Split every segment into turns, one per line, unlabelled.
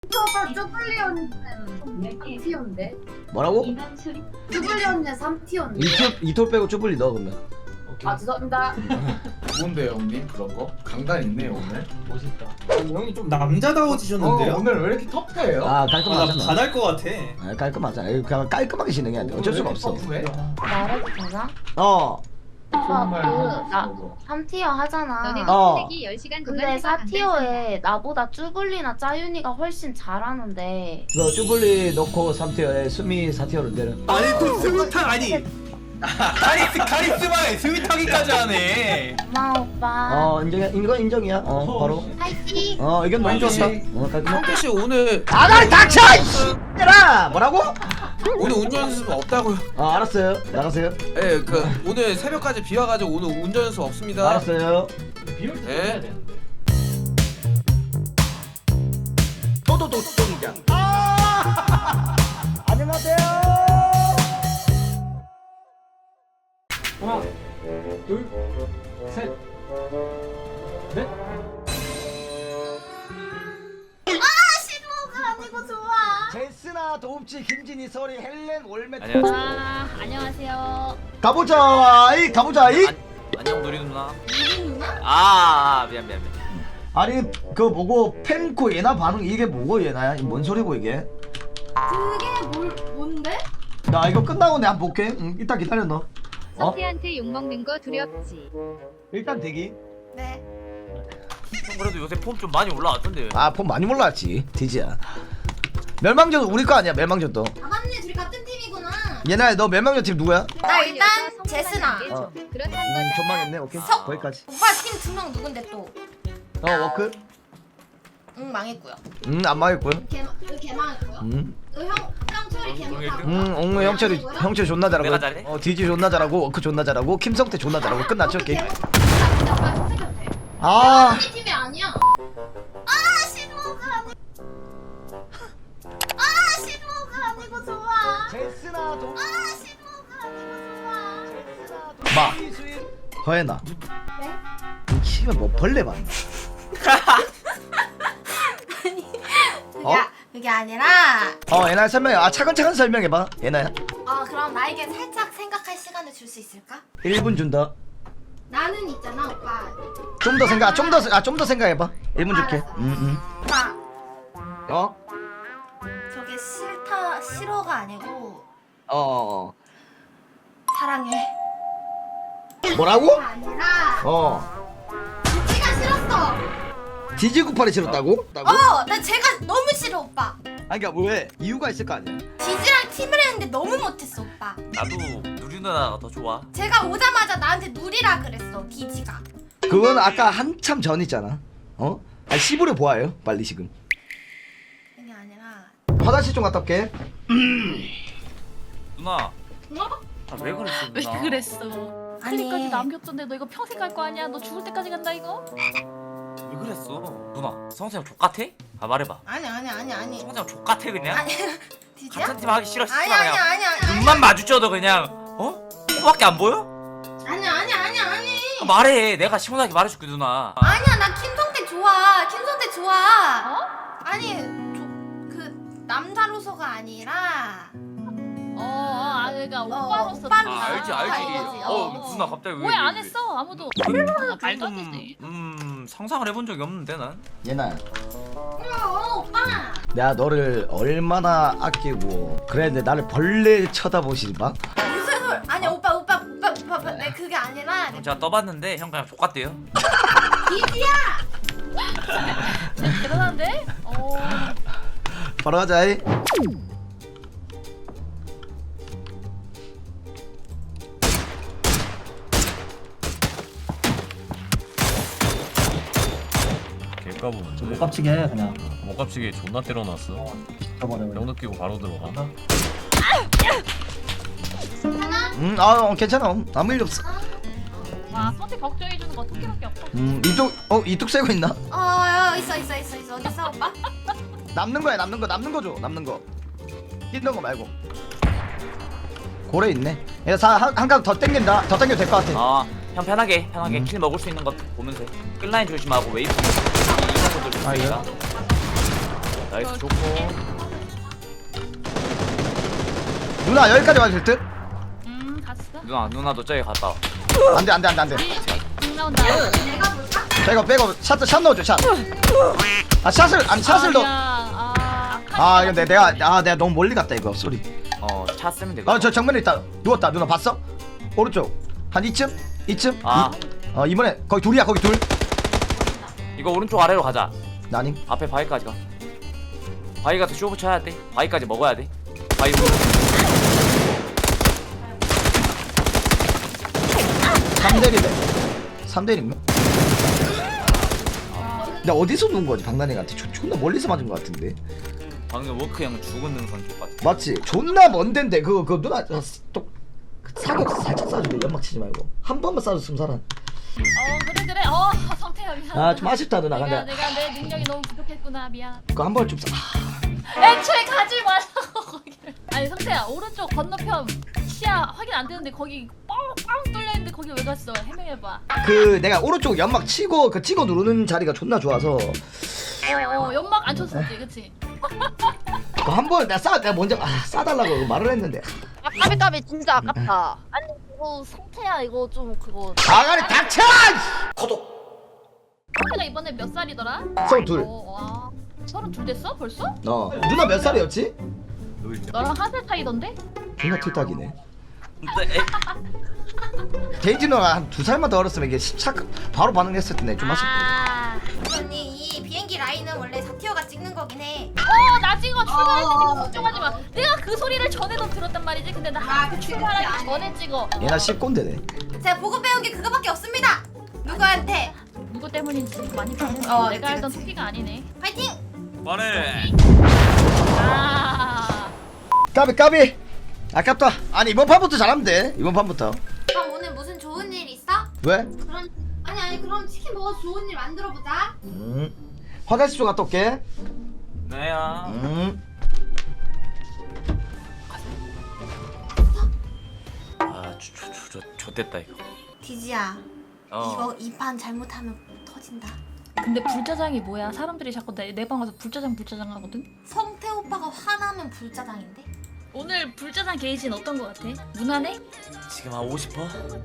저가 쭈블리 언니는 3티어인데?
뭐라고?
쭈블리 언니는 3티어인데?
이톨 빼고 쭈블리 넣어 그러면.
아 죄송합니다.
뭔데요 형님 그런 거? 강단 있네요 오늘.
멋있다.
형이 좀 남자다워지셨는데요?
오늘 왜 이렇게 터프해요?
아
아, 나
깔끔하잖아.
반할 것 같아.
아, 깔끔하자. 그냥 깔끔하게 진행해야 돼. 어쩔 수가 없어.
터프해?
말해도 되나?
어.
나 3티어 하잖아.
너네
어.
기 10시간
근데 4티어에 나보다 쭈블리나 짜윤이가 훨씬 잘하는데
너 쭈블리 넣고 3티어에 수미 4티어로 내려.
아니 또 스윗한 아니 카리스마에 스윗하기까지 하네.
고마워 오빠.
인정이야. 이거 인정이야. 바로.
파이팅!
의견 너무 좋았다. 깔끔해.
성태 씨 오늘
아가리 닥쳐! 이씨라 뭐라고?
오늘 운전 연습 없다고요?
알았어요. 나가세요.
예, 그 오늘 새벽까지 비 와가지고 오늘 운전 연습 없습니다.
알았어요.
비올 때
네.
해야 되는데.
도도도 동장. 안녕하세요.
하나, 둘, 셋, 넷.
아니고 좋아.
제스나 도움치 김진희 서리 헬렌 올메.
아, 안녕하세요.
가보자. 가보자.
안녕 누리 누나. 아 미안.
아니 그 뭐고 펜코 얘나 반응 이게 뭐고 얘나야? 뭔 소리고 이게?
그게 뭔데?
나 이거 끝나고 내가 한번 볼게. 이따 기다려 너.
성태한테 욕먹는 거 두렵지.
일단 대기.
네.
형 그래도 요새 폼 좀 많이 올라왔던데.
폰 많이 몰랐지. 디지야. 멸망전 우리 거 아니야? 멸망전도.
아 맞네 둘이 같은 팀이구나.
얘나야 너 멸망전 팀 누구야?
나 일단 제스나.
그렇단 거다.
존망했네. 오케이. 거기까지.
오빠 팀 2명 누군데 또?
워크?
응 망했고요.
안 망했고요.
걔 망했고요. 형철이 걔 못하고.
옹우 형철이 존나 잘하고.
내가 잘해?
디지 존나 잘하고. 워크 존나 잘하고. 김성태 존나 잘하고. 끝났죠 게임.
우리 팀이 아니야. 아 신호가 아니. 아 신호가 아니고 좋아.
제스나 도.
아 신호가 아니고 좋아.
마. 허예나.
네?
이 키가 뭐 벌레 봐.
그게 아니라.
얘나 설명해. 차근차근 설명해봐. 얘나야.
그럼 나에게 살짝 생각할 시간을 줄 수 있을까?
1분 준다.
나는 있잖아 오빠.
좀 더 생각해봐. 1분 줄게.
오빠
어?
저게 싫어가 아니고
어.
사랑해.
뭐라고?
그게 아니라 지가 싫었어.
디지구팔이 싫었다고?
나 제가 너무 싫어 오빠.
아니 그니까 왜? 이유가 있을 거 아니야.
디지랑 팀을 했는데 너무 못했어 오빠.
나도 누리 누나가 더 좋아.
제가 오자마자 나한테 누리라 그랬어 디지가.
그건 아까 한참 전이잖아. 시부를 보아요. 빨리 지금.
그게 아니라.
화장실 좀 갔다 올게.
누나.
뭐?
왜 그랬어
왜
누나?
그랬어?
아니.
클립까지 남겼던데 너 이거 평생 갈 거 아니야? 너 죽을 때까지 간다 이거?
왜 그랬어? 누나 성태형 족같아? 말해봐.
아니.
성태형 족같아 그냥?
아니 디지야?
같은 팀 하기 싫어
아니
그냥.
아니.
눈만 마주쳐도 그냥 코밖에 안 보여?
아니.
말해. 내가 시원하게 말해줄게 누나.
아니야 나 김성태 좋아. 김성태 좋아. 아니 그 남자로서가 아니라.
그러니까 오빠로서
오빠로서.
알지. 누나 갑자기
왜 안 했어? 아무도 말도 안 되지.
상상을 해본 적이 없는데 난.
얘나야.
오빠.
내가 너를 얼마나 아끼고 그랬는데 나를 벌레 쳐다보시지 마.
무슨 소리? 아니 오빠. 내 그게 아니라.
제가 떠봤는데 형 그냥 족같대요.
디지야.
대단한데?
바로 가자.
개까부는데
못 깝치게 해 그냥.
못 깝치게 존나 때려놨어.
저번에
병 느끼고 바로 들어가.
괜찮아. 아무 일 없어.
와 선택 걱정해주는 거 토끼밖에 없어.
이뚝 세고 있나?
있어. 어디 있어 오빠?
남는 거야. 남는 거 줘. 남는 거. 끼는 거 말고. 고래 있네. 한칸 더 땡긴다. 더 땡겨도 될 것 같아.
형 편하게 킬 먹을 수 있는 거 보면서 해. 끝라인 조심하고 웨이브 이런 것들
아,
조심하니까. 나이스 좋고.
누나 여기까지 와도 될 듯?
갔어.
누나도 저기 갔다 와.
안돼 안돼 안돼 안돼.
공 나온다.
자 이거 빼고 샷 넣어줘 샷. 아 샷을 아니 샷을 넣어. 아 이거 내가 너무 멀리 갔다 이거 쏘리.
차 쓰면 되거든.
저 정면에 있다 누웠다 누나 봤어? 오른쪽 한 이쯤? 이쯤?
아
이번에 거기 둘이야 거기 둘.
이거 오른쪽 아래로 가자.
나니?
앞에 바위까지 가. 바위 가서 쇼부 쳐야 돼. 바위까지 먹어야 돼. 바위 오른.
3대1이네 3대1인가? 나 어디서 누운 거지 박나닝한테 존나 멀리서 맞은 거 같은데
방금 워크 형 죽은 능선 쪽 같아.
맞지? 존나 먼 데인데 그거 누나 또 사격 살짝 쏴주게 연막 치지 말고 한 번만 쏴줬으면 살아.
그래. 성태야 미안.
아 좀 아쉽다 누나
내가
근데
내 능력이 너무 부족했구나 미안.
그거 한 번 좀
애초에 가지 말라고 거기를. 아니 성태야 오른쪽 건너편 시야 확인 안 되는데 거기 뻥 뚫려 있는데 거기 왜 갔어? 해명해봐.
그 내가 오른쪽 연막 치고 그 찍어 누르는 자리가 존나 좋아서
연막 안 쳤었지, 그치?
그거 한 번 내가 먼저 싸달라고 말을 했는데
까비 진짜 아깝다. 아니 이거 성태야 이거 좀 그거.
아가리 닥쳐!
성태가 이번에 몇 살이더라?
32.
와, 32 됐어? 벌써?
누나 몇 살이었지?
너랑 한 살 차이던데?
존나 틀딱이네 데이지 누나가 한 2살만 더 어렸으면 이게 바로 반응했을 텐데 좀 아쉽다.
언니 이 비행기 라인은 원래 사티어가 찍는 거긴 해.
나 찍어 출발할 때 찍어 걱정하지 마. 내가 그 소리를 전에도 들었단 말이지. 근데 나 출발하기 전에 찍어.
얘나 씹꼰대네.
제가 보고 배운 게 그거밖에 없습니다. 누구한테?
누구 때문인지 많이 봤는데
그치,
내가 알던
그치.
토끼가 아니네.
파이팅!
말해.
까비 아깝다. 아니 이번 판부터 잘하면 돼. 이번 판부터.
그럼 오늘 무슨 좋은 일 있어?
왜?
그럼 아니 그럼 치킨 먹어서 좋은 일 만들어 보자.
화장실 좀 갔다 올게.
네야. 좋됐다 이거.
디지야. 이거 이 판 잘못하면 터진다.
근데 불짜장이 뭐야? 사람들이 자꾸 내 방 와서 불짜장 하거든?
성태 오빠가 화나면 불짜장인데?
오늘 불짜장 게이지는 어떤 거 같아? 무난해?
지금 한 50%?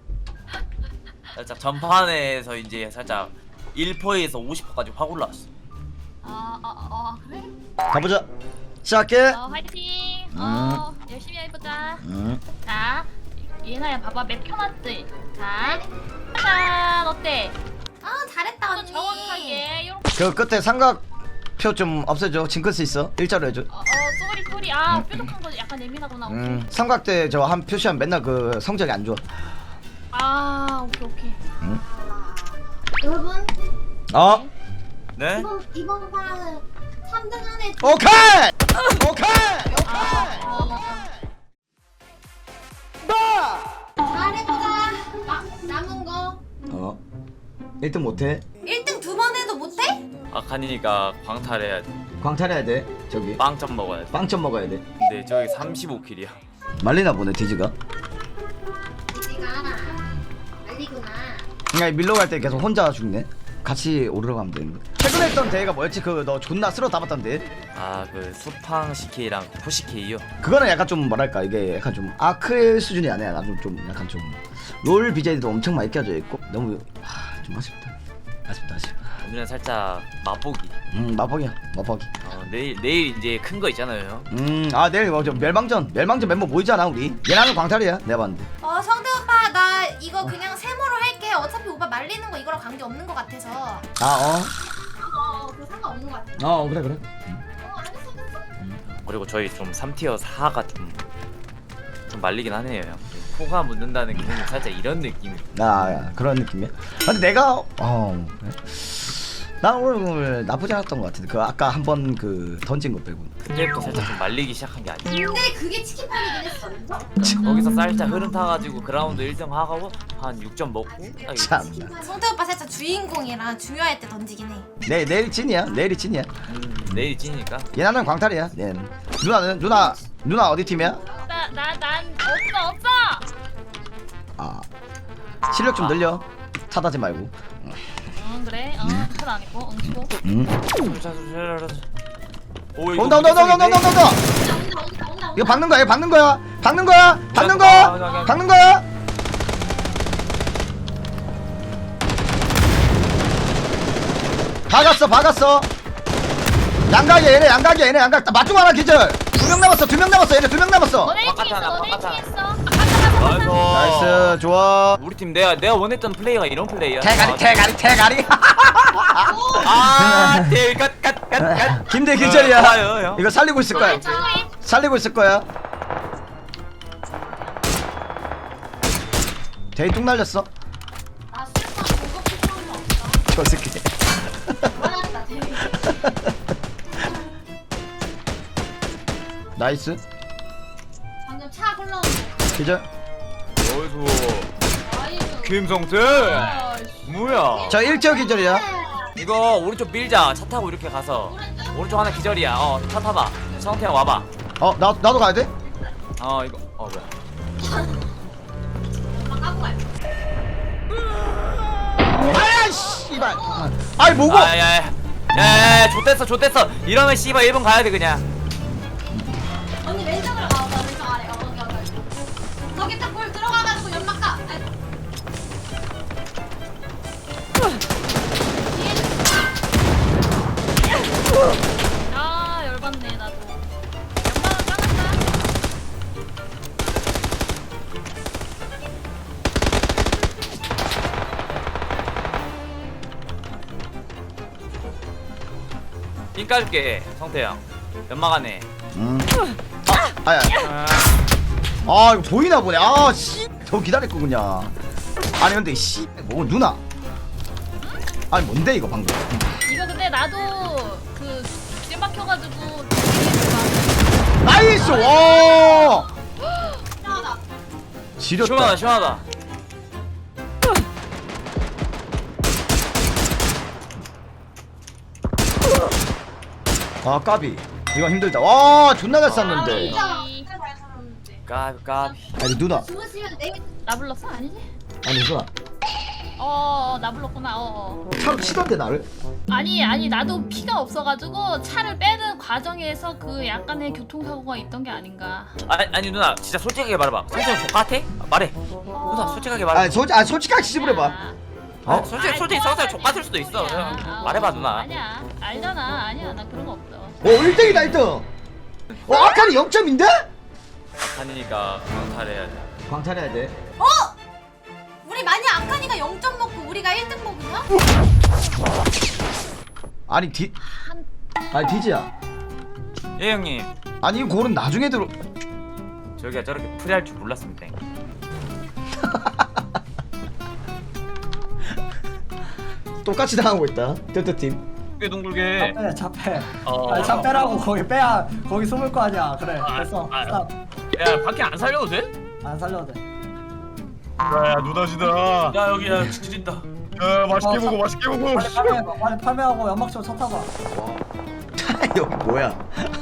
살짝 전판에서 이제 살짝 1%에서 50%까지 확 올라왔어.
그래?
가보자. 시작해.
화이팅! 열심히 해보자. 자, 예나야 봐봐 맵 켜놨지? 자, 짠! 어때?
잘했다
또
언니.
정확하게 요렇게
그 끝에 삼각표 좀 없애줘. 징크스 있어. 일자로 해줘.
쏘리 뾰족한 거 약간 예민하구나.
삼각대 저 한 표시하면 맨날 그 성적이 안 좋아.
오케이.
여러분
네?
이번 판은 3등 안에
오케이.
잘해보자. 남은 거
1등 못해.
1등 2번 해도 못해?
아카니가 광탈해야 돼.
광탈해야 돼. 저기
빵점 먹어야 돼.
빵점 먹어야 돼.
근데 저기 35킬이야.
말리나 보네 디지가.
디지가 말리구나.
그냥 밀러 갈 때 계속 혼자 죽네. 같이 오르러 가면 되는데. 최근에 했던 대회가 뭐였지? 그 너 존나 쓸어 담았던 대회?
그 수팡 CK랑 포 CK요.
그거는 약간 좀 뭐랄까 이게 약간 좀 아크의 수준이 아니야. 나도 좀 약간 좀 롤 BJ도 엄청 많이 껴져 있고 너무 좀 아쉽다.
오늘은 살짝 맛보기.
마법이야.
내일 이제 큰 거 있잖아요.
내일 뭐죠? 멸망전 멤버 모이잖아 우리. 얘나는 광탈이야. 내가 봤는데.
성태 오빠 나 이거 그냥 세모로 할게. 어차피 오빠 말리는 거 이거랑 관계 없는 거 같아서. 그거 상관없는 거 같아.
그래.
알겠어.
그리고 저희 좀 3티어 4가 좀 말리긴 하네요. 코가 묻는다는 게 살짝 이런 느낌이.
그런 느낌이야. 근데 내가 그래? 난 오늘 나쁘지 않았던 것 같은데 그 아까 한번 그 던진 거 빼고.
그때부터 살짝 좀 말리기 시작한 게 아니야.
근데 그게 치킨판이긴 했어.
거기서 살짝 흐름 타가지고 그라운드 1등 하고 한 6점 먹고 딱 이렇게.
참나.
성태 오빠 살짝 주인공이라 중요할 때 던지긴 해.
내일이 찐이야.
내일 찌니까.
얘나는 광탈이야. 얘는. 누나 어디 팀이야?
난 없어.
실력 좀 늘려. 탓하지 말고.
그래. 탓 아니고 수고.
오 이거
온다. 이거 박는 거야. 박는 거야. 박았어. 양각이야 얘네 양각. 맞중 하나 기절. 2명 남았어. 얘네 2명 남았어.
너네 1층 있어. 너네 1층 있어.
나이스 좋아.
우리 팀 내가 원했던 플레이가 이런 플레이야.
대가리.
아, 대갓.
김대 기절이야.
좋아요, 형.
이거 살리고 있을 거야. 대이 뚝 날렸어.
나 술판 고급 필요한 거 없어.
저 새끼.
화났다 대위.
나이스.
방금 차 흘러오는
기절.
어이구.
아이고.
김성태. 뭐야?
저 1티어 기절이야.
이거 오른쪽 밀자. 차 타고 이렇게 가서 오른쪽 하나 기절이야. 차 타봐. 성태 형 와봐.
나도 가야 돼?
이거 뭐야?
엄마 까고 갈.
아야 씨발. 아이 뭐고?
야야야. 좆됐어. 이러면 씨발 1번 가야 돼 그냥.
언니 왼쪽으로 가. 나 왼쪽 아래. 거기. 거기 딱 볼 들어가가지고 연막 가. 아이고.
아 열받네 나도. 연막은 까놨다.
삥 까줄게 성태 형. 연막 안에.
아야. 이거 보이나 보네. 더 기다릴 거군요. 아니 근데 뭐 누나. 아니 뭔데 이거 방금.
이거 근데 나도 그 찜박혀가지고.
나이스. 와.
시원하다.
지렸다.
시원하다.
까비. 이거 힘들다. 와 존나 잘 쐈는데.
진짜 잘 살았는데.
까비.
아니 누나.
주무시면 내
나 불렀어? 아니지?
아니 누나.
나 불렀구나.
차로 치던데 나를.
아니 나도 피가 없어가지고 차를 빼는 과정에서 그 약간의 교통사고가 있던 게 아닌가.
아니 누나 진짜 솔직하게 말해봐. 성태 형 족같아? 말해. 누나 솔직하게 말해.
아니 솔직하게 시부해봐.
솔직히 성태 족같을 수도 있어. 그냥 말해봐 누나.
아니야 알잖아. 아니야 나 그런 거 없어.
1등이다 1등. 아까는 0점인데?
하니까 강탈해야 돼.
광탈해야 돼.
우리 만약 아카니가 0점 먹고 우리가 1등 먹으면?
아니 디지야.
예 형님.
아니 이 골은 나중에 들어.
저기가 저렇게 프리할 줄 몰랐습니다.
똑같이 당하고 있다. 델타팀.
둥글게.
차 빼. 아니 차 빼라고 거기 빼야 거기 숨을 거 아니야. 그래 됐어. 스탑.
야 밖에 안 살려도 돼?
안 살려도 돼.
야 누나시다.
야 여기 지진다.
야 맛있게 먹어 맛있게 먹어.
빨리 팔매하고 연막 치고 차 타봐.
여기 뭐야?